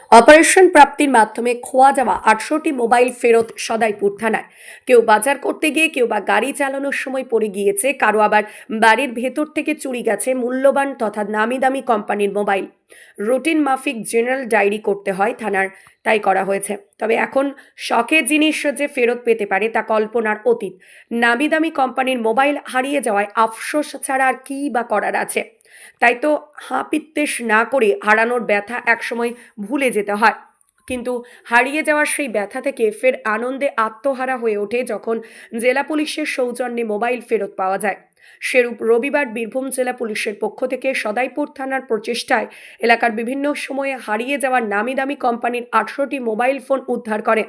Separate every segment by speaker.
Speaker 1: Operation প্রাপ্তির মাধ্যমে খোয়া যাওয়া ৮০০টি মোবাইল ফেরত সদাইপুর থানায়। কেউ বাজার করতে গিয়ে, কেউ বা গাড়ি চালানোর সময় পড়ে গিয়েছে, কারো আবার বাড়ির ভেতর থেকে চুরি গেছে মূল্যবান তথা নামি দামি কোম্পানির মোবাইল। রুটিন মাফিক জেনারেল ডায়েরি করতে হয় থানার, তাই করা হয়েছে। তবে এখন শখের জিনিস যে ফেরত পেতে পারে তা কল্পনার অতীত। নামি দামি কোম্পানির মোবাইল হারিয়ে যাওয়ায় আফসোস ছাড়া আর কী বা করার আছে। তাই তো হাপিত্যেশ না করে হারানোর ব্যথা একসময় ভুলে যেতে হয়, কিন্তু হারিয়ে যাওয়ার সেই ব্যথা থেকে ফের আনন্দে আত্মহারা হয়ে ওঠে যখন জেলা পুলিশের সৌজন্যে মোবাইল ফেরত পাওয়া যায়। সেরূপ রবিবার বীরভূম জেলা পুলিশের পক্ষ থেকে সদাইপুর থানার প্রচেষ্টায় এলাকার বিভিন্ন সময়ে হারিয়ে যাওয়া নামি দামি কোম্পানির ৮০০টি মোবাইল ফোন উদ্ধার করে।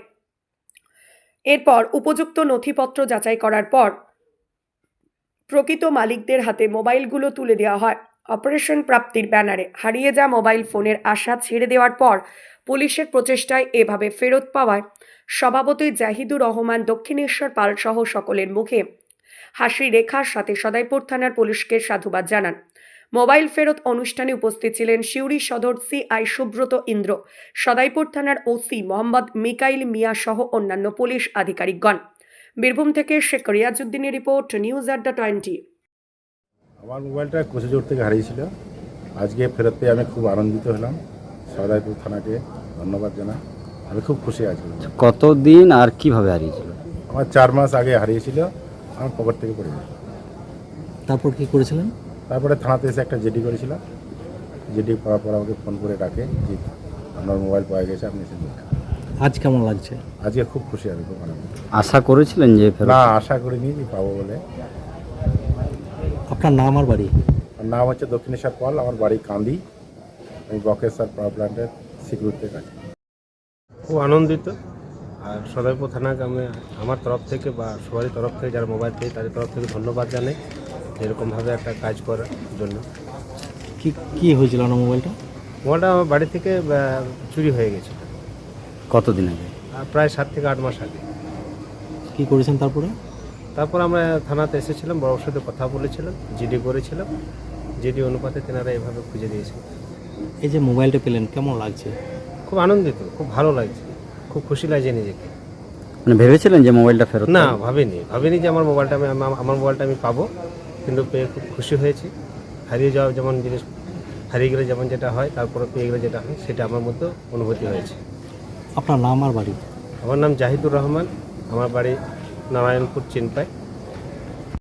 Speaker 1: এরপর উপযুক্ত নথিপত্র যাচাই করার পর প্রকৃত মালিকদের হাতে মোবাইলগুলো তুলে দেওয়া হয়। অপারেশন প্রাপ্তির ব্যানারে হারিয়ে যাওয়া মোবাইল ফোনের আশা ছেড়ে দেওয়ার পর পুলিশের প্রচেষ্টায় এভাবে ফেরত পাওয়ায় সভাপতি জাহিদুর রহমান, দক্ষিণেশ্বর পাল সহ সকলের মুখে হাসি রেখার সাথে সদাইপুর থানার পুলিশকে সাধুবাদ জানান। মোবাইল ফেরত অনুষ্ঠানে উপস্থিত ছিলেন সিউড়ি সদর সিআই সুব্রত ইন্দ্র, সদাইপুর থানার ওসি মোহাম্মদ মিকাইল মিয়া সহ অন্যান্য পুলিশ আধিকারিকগণ। বীরভূম থেকে শেখ রিয়াজউদ্দিনের রিপোর্ট, নিউজ আড্ডা 20।
Speaker 2: আমার মোবাইলটা কোচেজোর থেকে হারিয়েছিল। আজকে ফেরত পেয়ে আমি খুব আনন্দিত হলাম। সদাইপুর থানাকে ধন্যবাদ জানাই। আমি খুব খুশি আছি।
Speaker 3: কতদিন আর কিভাবে হারিয়েছিল?
Speaker 2: আমার 4 মাস আগে হারিয়েছিল, আমার পকেট থেকে পড়ে গেছে।
Speaker 4: তারপর কি করেছিলেন?
Speaker 2: তারপরে থানাতে এসে একটা জিডি করেছিলাম। জিডি করার পর আমাকে ফোন করে ডাকে যে আপনার মোবাইল পাওয়া গেছে, আপনি এসে নিন।
Speaker 4: আজ কেমন লাগছে?
Speaker 2: আজকে খুব খুশি, আমি খুব আনন্দ।
Speaker 3: আশা করেছিলেন যে ফেরত?
Speaker 2: না, আশা করিনি যে পাবো বলে।
Speaker 4: আপনার নাম আর বাড়ি?
Speaker 2: আমার নাম হচ্ছে দক্ষিণেশ্বর পাল, আমার বাড়ি কান্দি। আমি বকেশ্বর পাওয়ার প্ল্যান্টের সিকিউরিটিতে কাজ করি।
Speaker 5: খুব আনন্দিত। আর সদাইপুর থানাকে আমি আমার তরফ থেকে বা সবারই তরফ থেকে যারা মোবাইল পেয়ে তাদের তরফ থেকে ধন্যবাদ জানাই এরকমভাবে একটা কাজ করার জন্য।
Speaker 4: কি হয়েছিল না মোবাইলটা?
Speaker 5: মোবাইলটা আমার বাড়ি থেকে চুরি হয়ে গেছে
Speaker 3: কতদিন আগে?
Speaker 5: প্রায় 7 থেকে 8 মাস আগে।
Speaker 4: কি করেছেন তারপরে?
Speaker 5: তারপর আমরা থানাতে এসেছিলাম, বড়োর সাথে কথা বলেছিলাম, জিডি করেছিলাম। জিডি অনুপাতে তেনারা এভাবে খুঁজে দিয়েছিল।
Speaker 4: এই যে মোবাইলটা পেলেন কেমন লাগছে?
Speaker 5: খুব আনন্দিত, খুব ভালো লাগছে, খুব খুশি লাগছে নিজেকে।
Speaker 3: মানে ভেবেছিলেন যে মোবাইলটা ফেরত?
Speaker 5: না, ভাবিনি যে আমার মোবাইলটা আমি পাবো, কিন্তু পেয়ে খুব খুশি হয়েছি। হারিয়ে যাওয়া যেমন জিনিস হারিয়ে গেলে যেমন যেটা হয়, তারপরে পেয়ে গেলে যেটা হয়, সেটা আমার মধ্যে অনুভূতি হয়েছে।
Speaker 4: আপনার নাম আর বাড়ি?
Speaker 5: আমার নাম জাহিদুর রহমান, আমার বাড়ি নারায়ণপুর চিনপাই।